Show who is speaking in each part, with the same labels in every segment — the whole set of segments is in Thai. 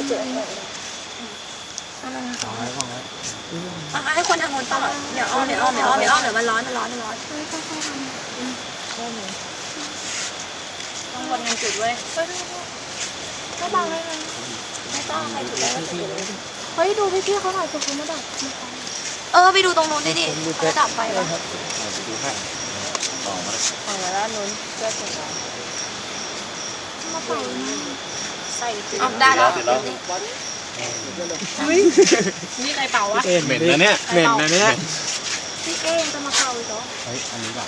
Speaker 1: จุดให้คนทางคนต่อเดี๋ยวอ้อมเดี๋ยวมันร้อนต้องคนงานจุดเว้ยไม่บังเลยนะไม่ต้องใครจุดแล้วจุดเลยเฮ้ยดูพี่เขาหน่อยจุดเขาไม่ดับไปดูตรงนู้นดิเขาดับไฟแล้ว
Speaker 2: ไปดูให้
Speaker 1: ออกมาแล้วนู้นเสื้อสีน้ำมาเป่าใส่เอาได้แล้วนี่ใครเป่าวะ
Speaker 2: เหม็นนะเนี่ยเหม็นนะเนี่ย
Speaker 1: พี่เอ๊จะมาเป่าอีกเหรอ
Speaker 2: เฮ้ยอันนี้แบบ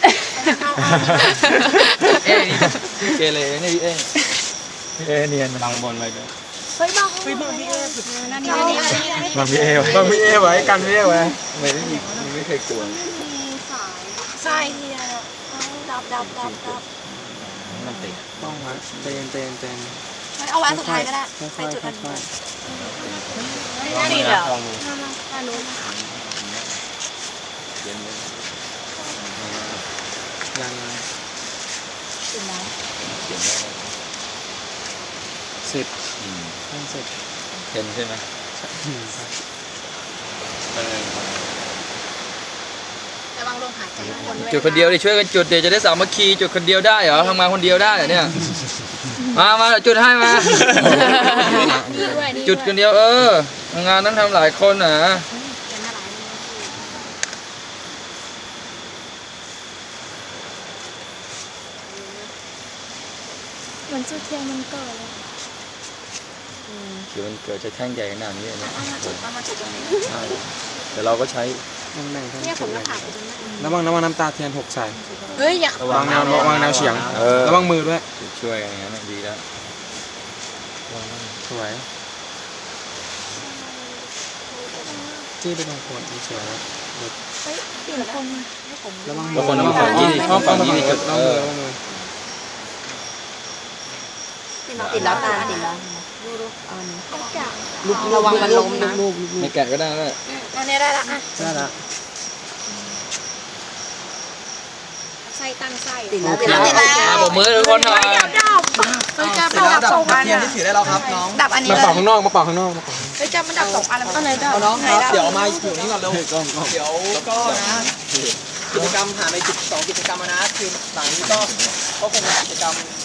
Speaker 3: เอ๊พี่เกเรนี่พี่เอ๊เนียน
Speaker 2: บางบนไปด้วย
Speaker 1: เฮ้ยบางพี่เอ๊นั่นนี่
Speaker 3: บางพี่เอ๊
Speaker 2: บางพี่เอ๊ไว้กันพี่เอ๊ไว้
Speaker 3: ไม่เคยกลัว
Speaker 1: ใช่ที่ดับ
Speaker 3: มันติด
Speaker 2: ต้องวะเตน
Speaker 1: เอาไว้สุดท้ายก็ได้ใส่จุดอันนี้นี่เหรออันนู้น
Speaker 2: ยัง
Speaker 1: จุดไหน
Speaker 2: เสร็จตั้งเสร็จ
Speaker 3: เห็นใช่ไหม
Speaker 1: ระวังลมหายใจ
Speaker 3: จุดคนเดียวดิช่วยกันจุดเดี๋ยวจะได้สามัคคีจุดคนเดียวได้เหรอทำงานคนเดียวได้เหรอเนี่ยมาจุดให้มาจุดคนเดียวงานต้องทำหลายคนนะ
Speaker 1: เหมือนจุดเทียนมันเกิดเลย
Speaker 3: คือมันเกิดจะแท่งใหญ่ขนาดนี้เลย
Speaker 1: เอามาจุดตรงนี้
Speaker 3: แต่เราก็ใช้
Speaker 1: เนี่ยผมก็ผ่านไปตรงนั้น
Speaker 2: ระวังน้ำตาเทียนหกใส่
Speaker 1: เฮ้ยอย่า
Speaker 2: ระวังแนวเฉียงระวังมือด้วย
Speaker 3: ช่วยอย่างนั้นดีแล้ว
Speaker 2: สวยจี้ไปตรงโคนเฉย
Speaker 1: เฮ้ยเปลี่ยนคน
Speaker 2: ระวัง
Speaker 3: ฝั่งนี้ดิฝั่งนี้ดิจุด
Speaker 1: ติดแล้วตาติดแล้วระวังมันล้มนะ
Speaker 3: ไม่แกะก็ได้แล้ว
Speaker 1: อันนี้ได้ละ
Speaker 2: ได้ละ
Speaker 1: ไส้ตั้งไส้
Speaker 3: ติดแล้วผมมือทุกคนหน่อย
Speaker 1: เฮ้ยจะดับสองอัน
Speaker 2: เทียนที่ถือได้แล้วครับน้อง
Speaker 1: ดับอันนี้
Speaker 2: มาเป่าข้างนอก
Speaker 1: เฮ้ยจะมันดับสองอันแล้วไหนดับ
Speaker 2: น้องเดี๋ยวมาอยู่นี่ก่อนเร็วเดี๋ยวก็นะกิจกรรมผ่านไป12 กิจกรรมนะคือหลังนี้ก็คงเป็นกิจกรรม